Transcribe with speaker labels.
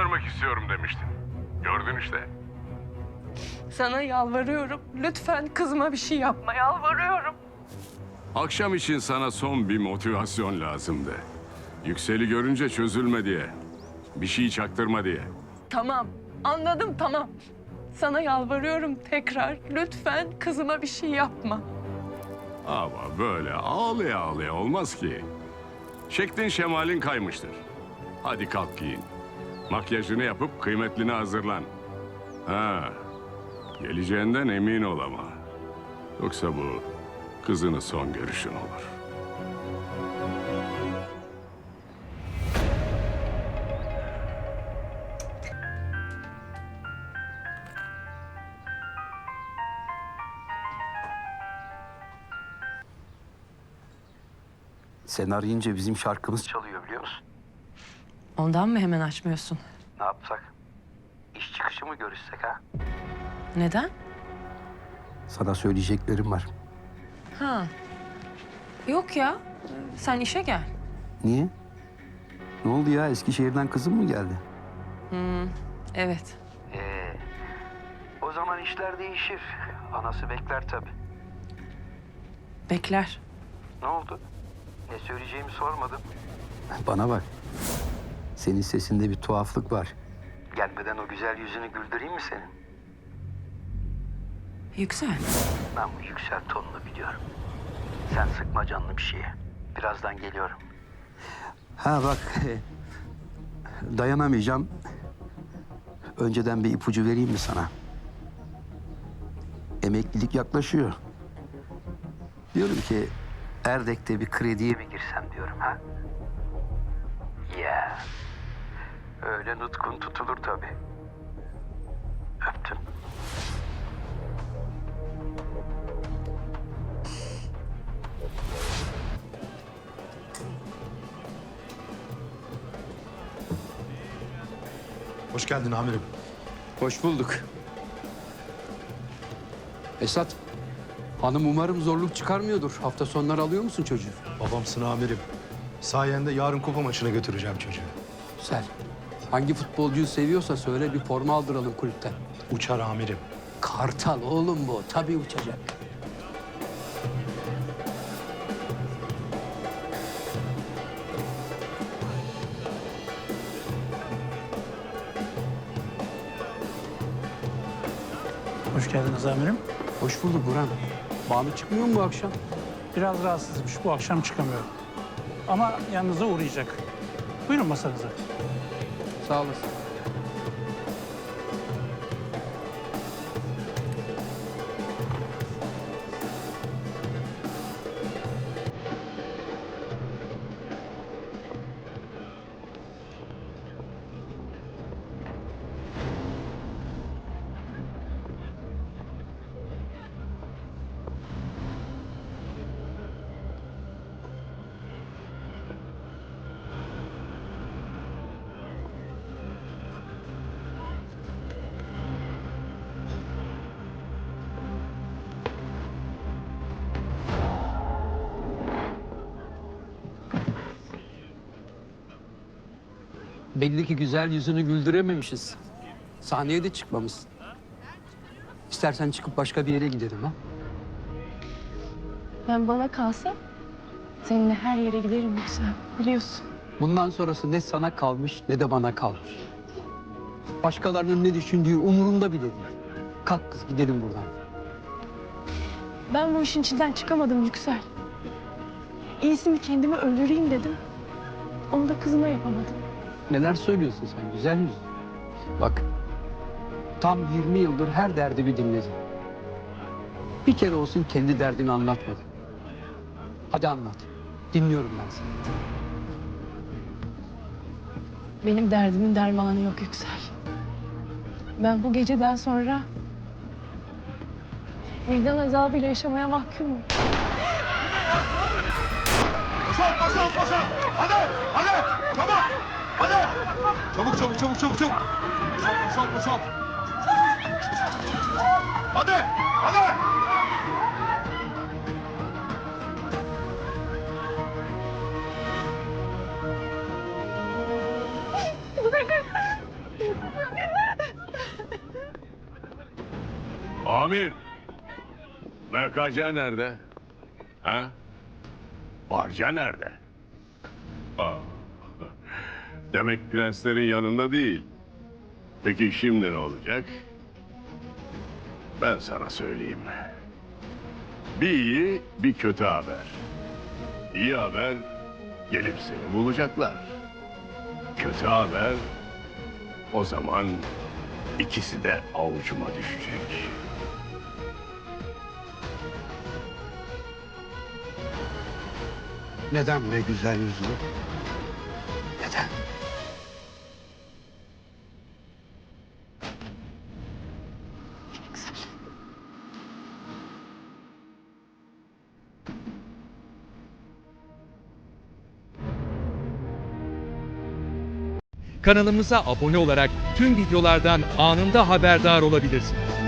Speaker 1: görmek istiyorum demiştin. Gördün işte.
Speaker 2: Sana yalvarıyorum. Lütfen kızıma bir şey yapma. Yalvarıyorum.
Speaker 1: Akşam için sana son bir motivasyon lazımdı. Yüksel'i görünce çözülme diye. Bir şey çaktırma diye.
Speaker 2: Tamam. Anladım, tamam. Sana yalvarıyorum tekrar. Lütfen kızıma bir şey yapma.
Speaker 1: Ama böyle ağlaya ağlaya olmaz ki. Şeklin şemalin kaymıştır. Hadi kalk giyin. Makyajını yapıp kıymetline hazırlan. Ha, geleceğinden emin ol ama. Yoksa bu kızının son görüşün olur.
Speaker 3: Sen arayınca bizim şarkımız çalıyor biliyor musun?
Speaker 2: Ondan mı hemen açmıyorsun?
Speaker 3: Ne yapsak? İş çıkışı mı görüşsek ha?
Speaker 2: Neden?
Speaker 3: Sana söyleyeceklerim var.
Speaker 2: Ha. Yok ya. Sen işe gel.
Speaker 3: Niye? Ne oldu ya? Eskişehir'den kızım mı geldi?
Speaker 2: Evet.
Speaker 3: O zaman işler değişir. Anası bekler tabii.
Speaker 2: Bekler.
Speaker 3: Ne oldu? Ne söyleyeceğimi sormadın. Bana bak. Senin sesinde bir tuhaflık var. Gelmeden o güzel yüzünü güldüreyim mi senin?
Speaker 2: Yüksel.
Speaker 3: Ben bu yüksel tonunu biliyorum. Sen sıkma canını bir şeye. Birazdan geliyorum. Ha bak. Dayanamayacağım. Önceden bir ipucu vereyim mi sana? Emeklilik yaklaşıyor. Diyorum ki Erdek'te bir krediye mi girsem diyorum ha? Ya. Öyle nutkun tutulur tabii. Öptüm.
Speaker 4: Hoş geldin amirim.
Speaker 5: Hoş bulduk. Esat, hanım umarım zorluk çıkarmıyordur. Hafta sonları alıyor musun çocuğu?
Speaker 4: Babamsın amirim. Sayende yarın kupa maçına götüreceğim çocuğu.
Speaker 5: Güzel. Hangi futbolcuyu seviyorsa söyle bir forma aldıralım kulüpten.
Speaker 4: Uçar amirim.
Speaker 5: Kartal oğlum bu. Tabii uçacak.
Speaker 6: Hoş geldiniz amirim.
Speaker 5: Hoş bulduk Burhan. Banu çıkmıyor mu bu akşam?
Speaker 6: Biraz rahatsızmış. Bu akşam çıkamıyorum. Ama yanınıza uğrayacak. Buyurun masanıza.
Speaker 5: Sağ olasın. Belli ki güzel yüzünü güldürememişiz. Sahneye de çıkmamışsın. İstersen çıkıp başka bir yere gidelim ha?
Speaker 2: Ben bana kalsa seninle her yere giderim Yüksel. Biliyorsun.
Speaker 5: Bundan sonrası ne sana kalmış ne de bana kalmış. Başkalarının ne düşündüğü umurumda bile değil. Kalk kız gidelim buradan.
Speaker 2: Ben bu işin içinden çıkamadım Yüksel. İyisini kendimi öldüreyim dedim. Onu da kızıma yapamadım.
Speaker 5: Neler söylüyorsun sen güzel yüz? Bak tam 20 yıldır her derdimi dinledin. Bir kere olsun kendi derdini anlatmadın. Hadi anlat. Dinliyorum ben seni.
Speaker 2: Benim derdimin dermanı yok Yüksel. Ben bu geceden sonra vicdan azabıyla yaşamaya mahkumum.
Speaker 4: Çabuk çabuk çabuk çabuk çabuk. Boşalt boşalt. Hadi hadi.
Speaker 1: Amir! MKC nerede? Ha? Barca nerede? Aa, demek prenslerin yanında değil. Peki şimdi ne olacak? Ben sana söyleyeyim. Bir iyi, bir kötü haber. İyi haber, gelip seni bulacaklar. Kötü haber, o zaman ikisi de avucuma düşecek.
Speaker 5: Neden be güzel yüzlü? Neden?
Speaker 7: Kanalımıza abone olarak tüm videolardan anında haberdar olabilirsiniz.